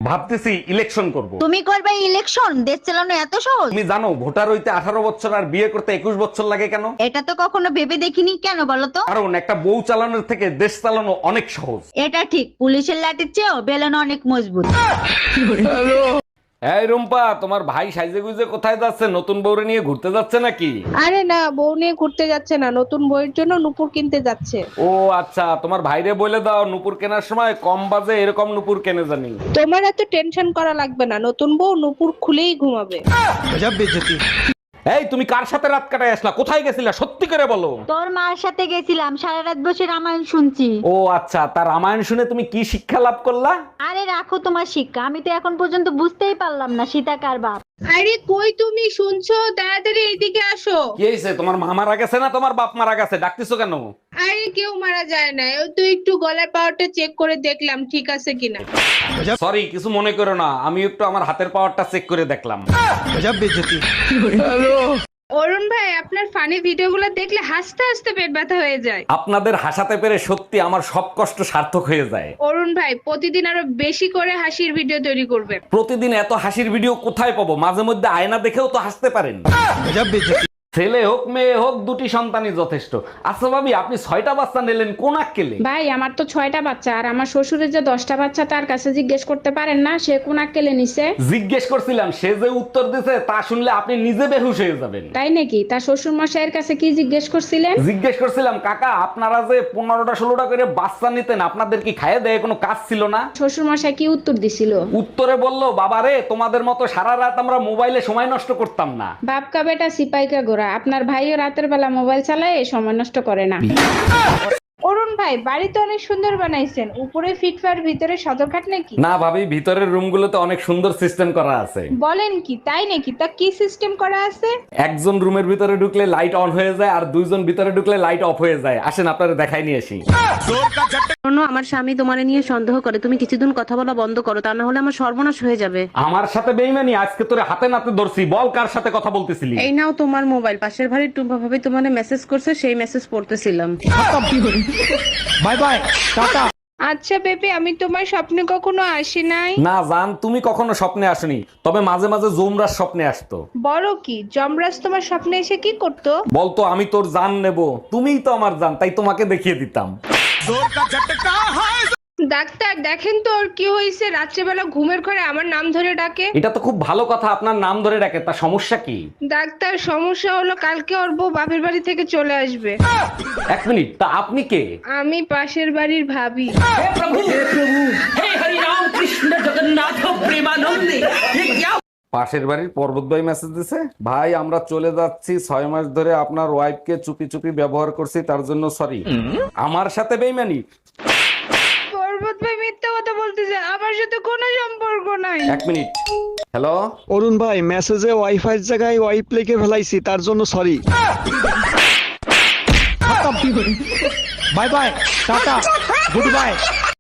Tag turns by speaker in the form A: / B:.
A: ভাবতেছি ইলেকশন করব।
B: তুমি করবে ইলেকশন? দেশ চালানো এত সহজ?
A: তুমি জানো ভোটার হইতে 18 বছর আর বিয়ে করতে 21 বছর লাগে কেন?
B: এটা তো কখনো ভেবে দেখিনি, কেন বলো তো?
A: কারণ একটা বউ চালানোর থেকে দেশ চালানো অনেক সহজ।
B: এটা ঠিক, পুলিশের লাঠির চেয়েও বেলন অনেক মজবুত।
A: এই রুম্পা, তোমার ভাই সাইজে গুজে কোথায় যাচ্ছে? নতুন বউরে নিয়ে ঘুরতে যাচ্ছে নাকি?
C: আরে না, বউ নিয়ে ঘুরতে যাচ্ছে না, নতুন বইয়ের জন্য নুপুর কিনতে যাচ্ছে।
A: ও আচ্ছা, তোমার ভাইরে বলে দাও নুপুর কেনার সময় কম বাজে এরকম নুপুর কেনে জানি।
C: তোমার এত টেনশন করা লাগবে না, নতুন বউ নুপুর খুলেই ঘুমাবে।
A: এই তুমি কার সাথে রাত কাটায় আসলা? কোথায় গেছিলা সত্যি করে বলো।
B: তোর মার সাথে গেছিলাম, সারা রাত বসে রামায়ণ শুনছি।
A: ও আচ্ছা, তার রামায়ণ শুনে তুমি কি শিক্ষা লাভ করলা?
B: আরে রাখো তোমার শিক্ষা, আমি তো এখন পর্যন্ত বুঝতেই পারলাম না সীতা কার বাপ।
C: আরে কই তুমি, শুনছো? তাড়াতাড়ি এইদিকে আসো।
A: কি হয়েছে? তোমার মা মারা গেছে না তোমার বাপ মারা গেছে? ডাকতেছো কেন?
C: আরে কেউ মারা যায় না, ওই তো একটু গলার পাওয়ারটা চেক করে দেখলাম ঠিক আছে কিনা।
A: সরি, কিছু মনে করো না, আমি একটু আমার হাতের পাওয়ারটা চেক করে দেখলাম।
C: অরুণ ভাই, আপনার ফানি ভিডিওগুলো দেখলে হাসতে হাসতে পেট ব্যথা হয়ে যায়।
A: আপনাদের হাসাতে পেরে সত্যি আমার সব কষ্ট সার্থক হয়ে যায়।
C: অরুণ ভাই, প্রতিদিন আরো বেশি করে হাসির ভিডিও তৈরি করবেন।
A: প্রতিদিন এত হাসির ভিডিও কোথায় পাবো? মাঝে মধ্যে আয়না দেখেও তো হাসতে পারেন। ছেলে হোক মেয়ে হোক, দুটি সন্তানই যথেষ্ট। আচ্ছা ভাবি, আপনি 6টা বাচ্চা নিলেন কোন আক্কেলে?
D: ভাই আমার তো 6টা বাচ্চা, আর আমার শ্বশুরের যে 10টা বাচ্চা, তার কাছে জিজ্ঞেস করতে পারেন না সে কোন আক্কেলে নিছে?
A: জিজ্ঞেস করছিলাম, সে যে উত্তর দিছে তা শুনলে আপনি নিজে বেহুশ হয়ে যাবেন।
D: তাই নাকি? তার শ্বশুর মশাইয়ের কাছে কি জিজ্ঞেস করছিলেন?
A: জিজ্ঞেস করছিলাম, কাকা আপনারা যে 15টা 16টা করে বাচ্চা নিতেন, আপনাদের কি খাইয়ে দেয় কোনো কাজ ছিল না?
D: শ্বশুর মশাই কি উত্তর দিছিল?
A: উত্তরে বলল, বাবা রে, তোমাদের মতো সারা রাত আমরা মোবাইলে সময় নষ্ট করতাম না।
D: বাপকা বেটা সিপাইকা গোরা, আপনার ভাইও রাতের বেলা মোবাইল চালায়, সময় নষ্ট করে না।
C: অরুণ ভাই, বাড়ি তো অনেক সুন্দর বানাইছেন, উপরে ফিটফার ভিতরে সদরঘাট নাকি?
A: না ভাবি, ভিতরের রুমগুলোতে অনেক সুন্দর সিস্টেম করা আছে।
C: বলেন কি, তাই নাকি? তা কি সিস্টেম করা আছে?
A: একজন রুমের ভিতরে ঢুকলে লাইট অন হয়ে যায়, আর দুইজন ভিতরে ঢুকলে লাইট অফ হয়ে যায়। আসেন আপনারা দেখাই নিয়ে আসি।
E: শোনো, আমার স্বামী তোমারে নিয়ে সন্দেহ করে, তুমি কিছুদিন কথা বলা বন্ধ করো, তা না হলে আমার সর্বনাশ হয়ে যাবে।
A: আমার সাথে বেইমানি? আজকে তোরে হাতে নাতে ধরছি, বল কার সাথে কথা বলতেছিলি?
E: এই নাও তোমার মোবাইল, পাশের বাড়ির টুম্পা ভাবি তোমারে মেসেজ করছে, সেই মেসেজ পড়তেছিলাম।
A: Bye bye, tata.
C: আচ্ছা বেবি, আমি তোমার স্বপ্নে কখনো আসি নাই।
A: না জান, তুমি কখনো স্বপ্নে আসনি, তবে মাঝে মাঝে জোমরার স্বপ্নে আসতো।
C: বড় কি, যমরাজ তোমার স্বপ্নে এসে কি করতো?
A: বলতো আমি তোর জান নেব, তুমিই তো আমার জান, তাই তোমাকে দেখিয়ে দিতাম।
C: ডাক্তার দেখেন তো ওর কি হয়েছে, রাত্রেবেলা ঘুমের ঘরে আমার নাম ধরে ডাকে।
A: এটা তো খুব ভালো কথা, আপনার নাম ধরে ডাকে, তা সমস্যা কি?
C: ডাক্তার, সমস্যা হলো কালকে ওর বউ বাপের বাড়ি থেকে চলে আসবে।
A: এক মিনিট, তা আপনি কে?
C: আমি পাশের বাড়ির ভাবি।
A: পাশের বাড়ির পর্বত ভাই মেসেজ দিছে, ভাই আমরা চলে যাচ্ছি, 6 মাস ধরে আপনার ওয়াইফকে চুপি চুপি ব্যবহার করছি, তার জন্য সরি। আমার সাথে বেইমানি?
C: পর্বত ভাই মিথ্যা কথা বলতেছে, আমার সাথে কোনো সম্পর্ক নাই।
A: এক মিনিট, হ্যালো।
F: অরুণ ভাই, মেসেজে ওয়াইফাইয়ের জায়গায় ওয়াইপ লিখে ফেলাইছি, তার জন্য sorry. Bye bye, tata, good by.